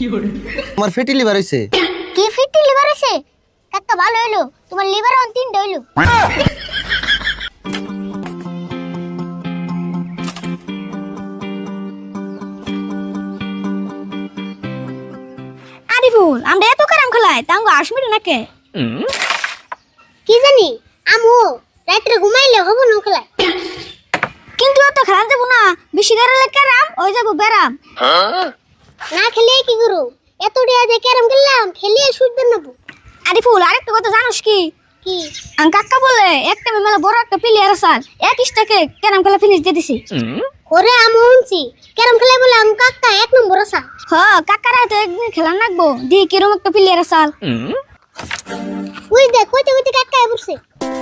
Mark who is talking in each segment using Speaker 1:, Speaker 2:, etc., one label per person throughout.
Speaker 1: আমার fatty liver হইছে।
Speaker 2: কি ফিটি লিভার হইছে? কাকা ভালো হইলো, তোমার লিভার অন 3টা হইলো।
Speaker 3: আরিফুল, আমরা এত কারাম খেলাই তাঙ্গ 8 মিনিট নাকে।
Speaker 2: কি জানি আমু রাত্রে ঘুমাইলে হবো না খেলা।
Speaker 3: কিন্তু এত খেলা যাবো না, বেশি গাড়লে কারাম ওই যাবো বেরাম।
Speaker 2: না খেলে কি করু? এত ডিয়া যে ক্যারাম খেললাম, খেলিয়ে সুদবে নেবো।
Speaker 3: আরিফুল, আরেকটা কথা জানোস কি?
Speaker 2: কি?
Speaker 3: কাকা বলে একটা মেলা বড় একটা প্লেয়ার আছে, 21 টাকে ক্যারাম খেলা ফিনিশ দিয়ে দিছি।
Speaker 2: ওরে আমু উনছি ক্যারাম খেলে বলে আম কাকা 1 নম্বর আছে।
Speaker 3: কাকারা তো একদিন খেলা নাকবো, দি কিরম একটা প্লেয়ার আছে।
Speaker 2: ওই দেখ কইতে কইতে কাকা বসে।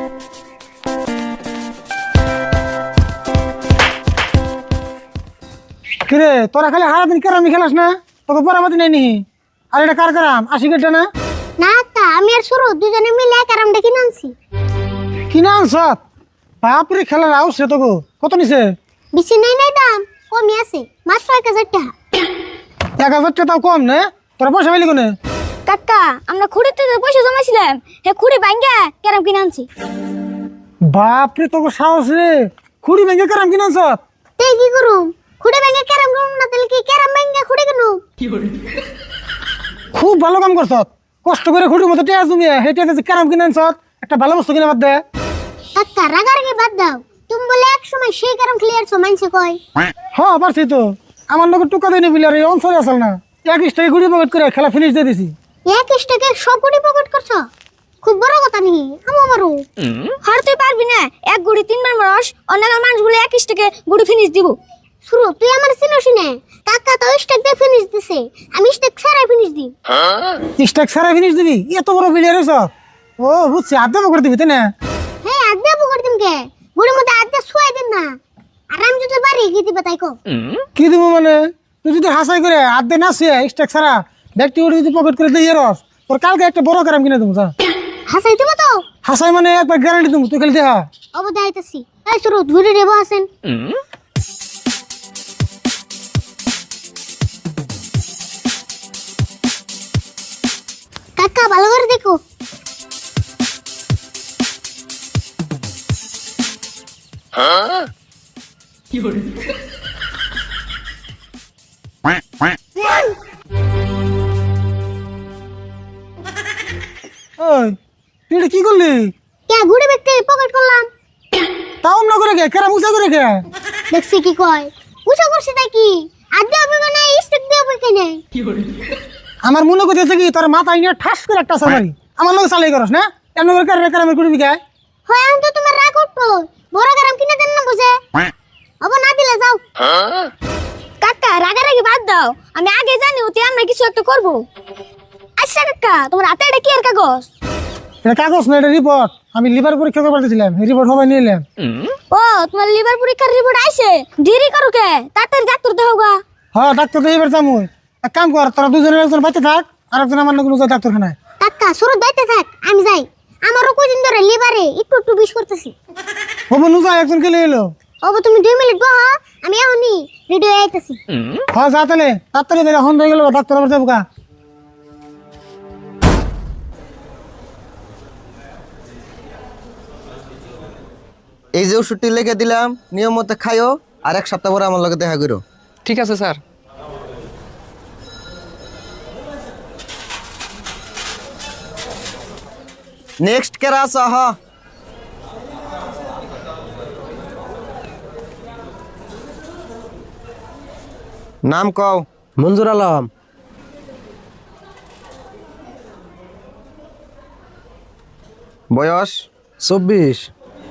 Speaker 4: কিরে তোরা খালি সারাদিন কেরামি খেলাস না? তোকে পরামতি নাই নি? আর এটা কার কারাম? 80 কেটে না?
Speaker 2: না তা আমি আর সুরু দুজনে মিলে ক্যারাম দেখি নানছি।
Speaker 4: কিনা আনছ? বাপরে খেলার আউছে তোকে কত নিছে?
Speaker 2: বেশি নাই নাই দাম, কমই আছে মাত্র 1000 টাকা।
Speaker 4: 1000 টাকা তাও কম না? তোরা পয়সা পাইলি কোনে?
Speaker 3: কাকা, আমরা খুঁড়িতে যে পয়সা জমাইছিলাম, হে খুঁড়ি ভাঙ্গা ক্যারাম কিনে আনছি।
Speaker 4: বাপরে তোকে সাহস রে! খুঁড়ি ভেঙে কারাম কিনা আনছ?
Speaker 2: তাই কি করুম? খুঁড়ে ভেঙে ক্যারাম করুম না তাহলে কি ক্যারাম ভেঙে খুঁড়ে কেন?
Speaker 4: খুব ভালো কাম করছ। কষ্ট করে খুঁড়ির মতো টেয়া জমিয়ে হেঁটে কারাম কিনা আনছ, একটা ভালো বস্তু কিনা বাদ দে।
Speaker 2: কাকা রাগারাগি বাদ দাও, তুমি বলে এক সময় সেই ক্যারাম খেলিয়ার মানছে কয়।
Speaker 4: হ্যাঁ পারছি তো, আমার লোক টুকা দেয়নি বিলে আর এই অঞ্চলে আসল না। 21 টাকা গুড়ি পকেট করে খেলা ফিনিশ দিয়ে দিছি।
Speaker 2: 21 টাকা সব কোটি পকেট করছো? খুব বড় কথা নাকি? আমু আমারও
Speaker 3: আর তুই পারবি না, এক গুড়ি 3 বার মারস, অন্য মানুষগুলো 21 টাকে গুড়ি ফিনিশ দিব।
Speaker 2: শুরু তুই আমার চিনোস না? কাকা তো স্টেক দিয়ে ফিনিশ দিছে, আমি স্টেক ছাড়াই ফিনিশ দিই।
Speaker 4: স্টেক সারা ফিনিশ দিবি? এত বড় বিলিয়ার হয়েছ? ও বুঝছি, আড্ডা করে দিবি তাই না?
Speaker 2: হ্যাঁ আড্ডা পকড় দিম কে? গুড়ির মধ্যে আড্ডা শুয়াই দিন না। আর আমি যদি বাড়ি গিয়ে দিবা তাই কো।
Speaker 4: কি দিব মানে? তুই যদি হাসাই করে আড্ডা না শুয়ে স্টেক সারা ব্যক্তি যদি পকেট করে দিয়ে রস, তোর কালকে একটা বড় কারাম কিনে দেবো। যা
Speaker 2: হাসাই দিবা তো?
Speaker 4: হাসাই মানে একবার গ্যারান্টি দেবো, তুই খালি দেখা।
Speaker 2: অবদা আইতাছি। এই শুরু ধরে দেবো আছেন। কাকা ভালো করে দেখো।
Speaker 4: ওই তুই এটা কি করলি?
Speaker 2: কে ঘুরে ব্যক্তি পকেট করলাম।
Speaker 4: তাও না করে কে কেরাম উঁচা করে কে?
Speaker 2: দেখছি কি কয়? উঁচা করছে তাই কি? আড্ডা হবে না স্টেক দিয়ে হবে কেন?
Speaker 4: আমার মনে করতেছে কি তোর মাথা নিয়ে ঠাস করে একটা সাবারি আমার লোক চালাই করস না? এমন করে কেরামের কুড়ি বিঘায়
Speaker 2: হয় আমি তো তোমার রাগ উঠতো। বড় গ্রাম কিনে দেন না বুঝে। অব না দিলে যাও।
Speaker 3: কাকা রাগারাগি বাদ দাও, আমি আগে জানি ওতে আমরা কিছু একটা করব। আচ্ছা কাকা, তোমার হাতে এটা কি এর কাগজ?
Speaker 4: এটা কাগজ না, এটা রিপোর্ট। আমি লিভার পরীক্ষা করতে পারতেছিলাম, এই রিপোর্ট সবাই নিয়ে এলাম।
Speaker 3: ও, তোমার লিভার পরীক্ষার রিপোর্ট আইছে? দেরি করো কে? তাড়াতাড়ি ডাক্তার দেখাও গা।
Speaker 4: হ্যাঁ ডাক্তার তো এবার যাবো। এক কাম কর, তোরা দুজনের একজন বাড়িতে থাক আর একজন আমার লোক ডাক্তারখানায়।
Speaker 2: কাকা শুরু দাইতে থাক, আমি যাই। আমারও কয়দিন ধরে লিভারে একটু একটু বিষ করতেছি।
Speaker 4: হবো নুজা একজন গেলে এলো।
Speaker 2: অব তুমি 2 মিনিট বহ, আমি এখনই রেডি হয়ে আইতাছি।
Speaker 4: হ্যাঁ যা তাহলে তাড়াতাড়ি বেরো, এখন হয়ে গেল ডাক্তার আবার যাবো গা।
Speaker 1: এই যে ওষুধটি লিখে দিলাম, নিয়ম মতো খাইও, আর 1 সপ্তাহ পরে আমার লগে দেখা করো।
Speaker 5: ঠিক আছে স্যার।
Speaker 1: নেক্সট কেরা আছো? হ নাম কও।
Speaker 6: মঞ্জুর আলম।
Speaker 1: বয়স?
Speaker 6: 24।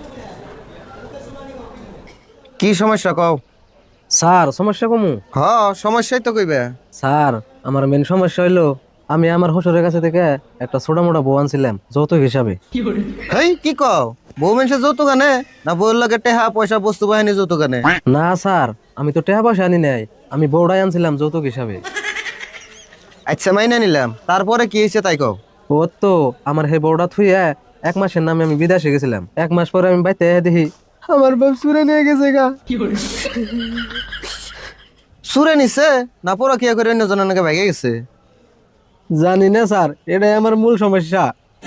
Speaker 1: কি সমস্যা কও?
Speaker 6: স্যার সমস্যা কমু?
Speaker 1: হ সমস্যাই তো কইবে।
Speaker 6: স্যার আমার মেন সমস্যা হইলো আমি আমার শ্বশুরের কাছে থেকে একটা ছোট মোটা বউ আনছিলাম যৌতুক হিসাবে।
Speaker 1: হেই কি কও? বউ মানুষের যৌতুক আনে না বউর লগে টেহা পয়সা বস্তু বাহিনী যৌতুক আনে?
Speaker 6: না স্যার, আমি তো টাকা পয়সা আনি নাই, আমি বউটাই আনছিলাম যৌতুক হিসাবে।
Speaker 1: আচ্ছা মাইনা নিলাম, তারপরে কি হয়েছে তাই কও।
Speaker 6: ও তো আমার সেই বউটা থুইয়া 1 মাসের নামে আমি বিদেশে গেছিলাম। 1 মাস পরে আমি বাইতে দেখি আমার বাপ চুরে নিয়ে গেছে গা।
Speaker 1: সুরে নিছে না পরকিয়া করে অন্য জনের নাকি ভাগে গেছে?
Speaker 6: জানি না স্যার, এটাই আমার মূল সমস্যা।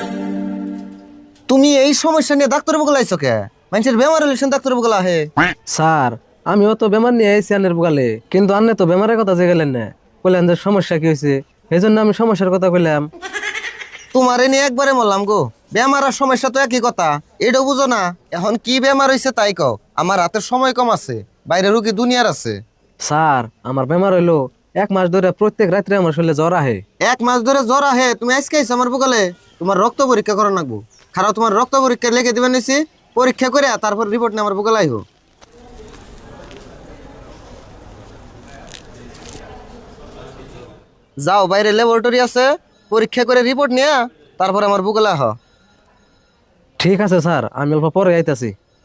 Speaker 1: তুমি এই সমস্যা নিয়ে ডাক্তার বগলা আইছো কে? মানুষের বেমার হলে ডাক্তার বগলা আহে।
Speaker 6: স্যার আমিও তো বেমার নিয়ে আইছি আনের বগালে, কিন্তু আন্নে তো বেমারের কথা যে গেলেন না, বললেন যে সমস্যা কি হয়েছে, এই জন্য আমি সমস্যার কথা কইলাম।
Speaker 1: তোমারে নিয়ে একবারে মরলাম গো। বেমার আর সমস্যা তো একই কথা, এটাও বুঝো না? এখন কি বেমার হয়েছে তাই কও। আমার হাতের সময় কম আছে, বাইরে রুগী দুনিয়ার আছে।
Speaker 6: স্যার আমার বেমার হইলো 1 মাস ধরে প্রত্যেক রাত্রে আমার শরীরে জ্বর আহে।
Speaker 1: 1 মাস ধরে জ্বর আহে? তুমি আজকে আইছো আমার বগলে? তোমার রক্ত পরীক্ষা করা লাগবো। খারাপ, তোমার রক্ত পরীক্ষা লিখে দিবেন নিছি, পরীক্ষা করে তারপর রিপোর্ট নিয়ে আমার বগলে আইব। যাও, বাইরে ল্যাবরেটরি আছে, পরীক্ষা করে রিপোর্ট নিয়ে তারপর আমার বগলে আহ।
Speaker 6: ঠিক আছে স্যার, আমি অল্প পরে আইতাছি।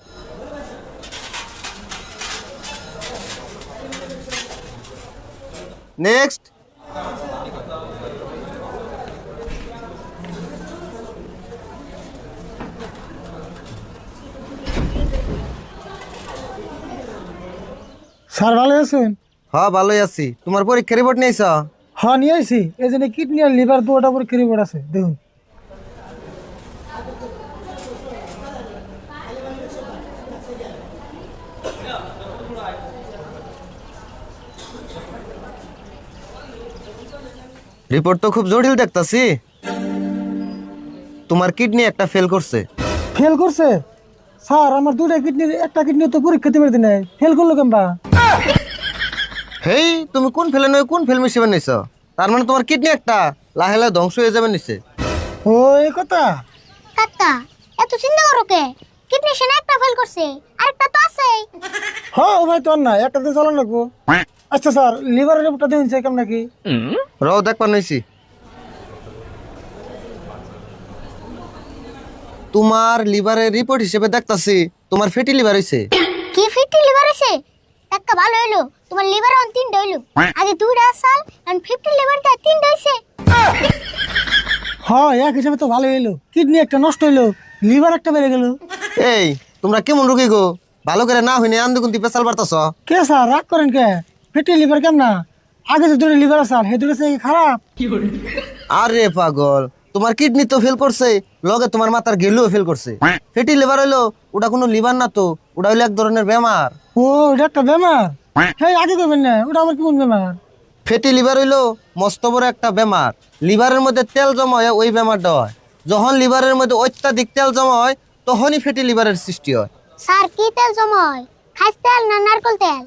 Speaker 1: নেক্সট।
Speaker 4: স্যার ভালো আছেন?
Speaker 1: হ্যাঁ ভালোই আছি। তোমার পরীক্ষা রিপোর্ট নিয়েছ?
Speaker 4: হ্যাঁ নিয়ে আইছি, এই জন্য কিডনি আর লিভার দুটা পরীক্ষা রিপোর্ট আছে, দেখুন।
Speaker 1: রিপোর্ট তো খুব জটিল দেখতাছি। তোমার কিডনি একটা ফেল করছে।
Speaker 4: ফেল করছে? স্যার আমার দুটা কিডনির একটা কিডনি তো পরীক্ষা দিতে পারতি নাই, ফেল করলো কেমবা?
Speaker 1: হেই, তুমি কোন ফেলে নয় কোন ফেল মিশিয়ে নিছ? তার মানে তোমার কিডনি একটা লাহে লাহে ধ্বংস হয়ে যাবে নিছে।
Speaker 4: ও এই কথা।
Speaker 2: কাকা এত চিন্তা করো কে? কিডনি সেনা একটা ফেল করছে, আরেকটা তো আছে।
Speaker 4: হ্যাঁ ও ভাই তোর না, একটা তো চালান রাখবো। আচ্ছা স্যার, লিভারের রিপোর্টটা দেখুন কেমন নাকি?
Speaker 1: রও দেখবা নইছি। তোমার লিভারের রিপোর্ট হিসেবে দেখতাছি তোমার ফ্যাটি লিভার হইছে।
Speaker 2: কি ফিফটি লিভার আছে? কাকা ভালো হইলো, তোমার লিভার অন 3টা হইলো। আগে 2টা সাল এখন 50 লিভার দা 3টা হইছে।
Speaker 4: হ্যাঁ এক হিসাবে তো ভালো হইলো, কিডনি একটা নষ্ট হইলো, লিভার একটা বেড়ে গেল।
Speaker 1: এই তোমরা কেমন রোগী গো? ভালো করে না হইনি আন্দুকুন্তি পেশাল বাড়তাছ।
Speaker 4: কে স্যার রাগ করেন কে? ফেটি লিভার কেমন না? আগে যে দুটো লিভার আছে সেই দুটো খারাপ।
Speaker 1: আরে পাগল, তোমার কিডনি তো ফেল করছে, লগে তোমার মাথার গেলুও ফেল করছে। ফ্যাটি লিভার হইলো ওটা কোনো লিভার না তো, ওটা হইলো এক ধরনের বেমার।
Speaker 4: ও এটা একটা বেমার? হ্যাঁ আগে করবেন না, ওটা আবার কেমন বেমার?
Speaker 1: ফ্যাটি লিভার হইলো মস্ত বড় একটা বেমার। লিভারের মধ্যে তেল জমা হয়, ওই বেমারটা হয়। যখন লিভারের মধ্যে অত্যাধিক তেল জমা হয় তখনই ফ্যাটি লিভারের সৃষ্টি হয়।
Speaker 2: স্যার কি তেল জমায়? খাস তেল না নারকেল তেল?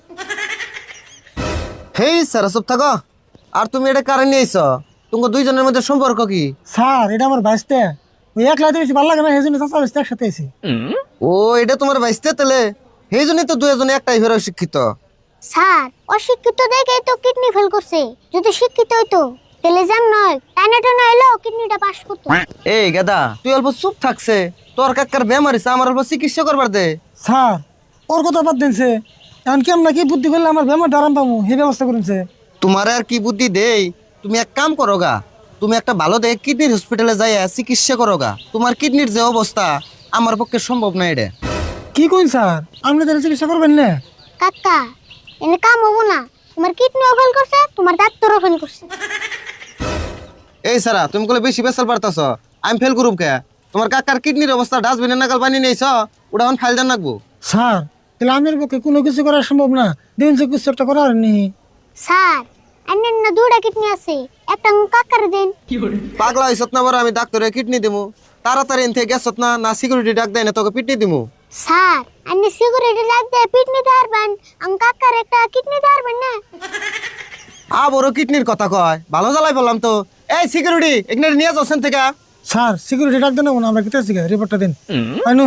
Speaker 1: হেই স্যার চুপ থাকো। আর তুমি এটা কারণ নিয়েছ? তোমার দুইজনের মধ্যে সম্পর্ক কি?
Speaker 4: স্যার এটা আমার বাইশটা, ওই এক লাইতে বেশি ভালো লাগে না, সেই জন্য চাচা বেশি একসাথে এসে।
Speaker 1: ও এটা তোমার বাইসতে তেলে, সেই জন্যই তো দুজনে একটাই ফেরো শিক্ষিত।
Speaker 2: স্যার অশিক্ষিত দেখেই তো কিডনি ফেল করছে, যদি শিক্ষিত হইতো তাহলে জাম নয় টানাটা না হইলো কিডনিটা পাস করতো।
Speaker 1: এই গাদা তুই অল্প চুপ থাকছে, তোর কাকার বেমার হইছে, আমার অল্প চিকিৎসা করবার দে।
Speaker 4: স্যার ওর কথা বাদ দিনছে, এখন কেমন কি বুদ্ধি করলে আমার বেমার আরাম পাবো সেই ব্যবস্থা করেছে।
Speaker 1: তোমার আর কি বুদ্ধি দেই? তুমি এক কাম করো গা, তুমি একটা ভালো দেখে কিডনির হসপিটালে যাই চিকিৎসা করো গা। তোমার কিডনির যে অবস্থা আমার পক্ষে সম্ভব না এটা।
Speaker 4: কি কইন স্যার, আপনি তাহলে চিকিৎসা করবেন না?
Speaker 2: কাকা এনে কাম হবো না, তোমার কিডনিও ফেল করছে, তোমার ডাক্তারও ফেল করছে।
Speaker 1: এই সারা তুমি বলে বেশি বেসাল পারতাছ, আমি ফেল করুম কে? তোমার কাকার কিডনির অবস্থা ডাস্টবিনে নাগাল পানি নিয়েছ, ওটা এখন ফাইল দেন রাখবো।
Speaker 4: স্যার তাহলে আমার পক্ষে কোনো কিছু করা সম্ভব না, দেখুন যে কিছু একটা করার নেই।
Speaker 2: স্যার আন্নের না 2টা কিডনি আছে, একটা কাকার দেন।
Speaker 1: পাগলা হইছত না বড়, আমি ডাক্তারে কিডনি দিমু। তাড়াতাড়ি এনতে গেছত না, না সিকিউরিটি ডাক দেয় না তোকে পিটনি দিমু।
Speaker 2: স্যার আন্নে সিগারেট লাগবে কিডনি দারবেন, কাকার একটা কিডনি দারবেন না।
Speaker 1: বড় কিডনির কথা কয়, ভালো জ্বালাই বললাম তো। এই সিকিউরিটি এখানে নিয়ে যাচ্ছেন থেকে।
Speaker 4: স্যার সিকিউরিটি ডাক দেন না, আমরা কেটে আছি, রিপোর্টটা দিন। আইনু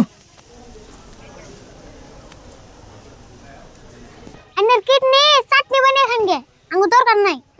Speaker 2: আন্নের কিডনি চাটনি বানিয়ে খান গে, আঙ্গু দরকার নাই।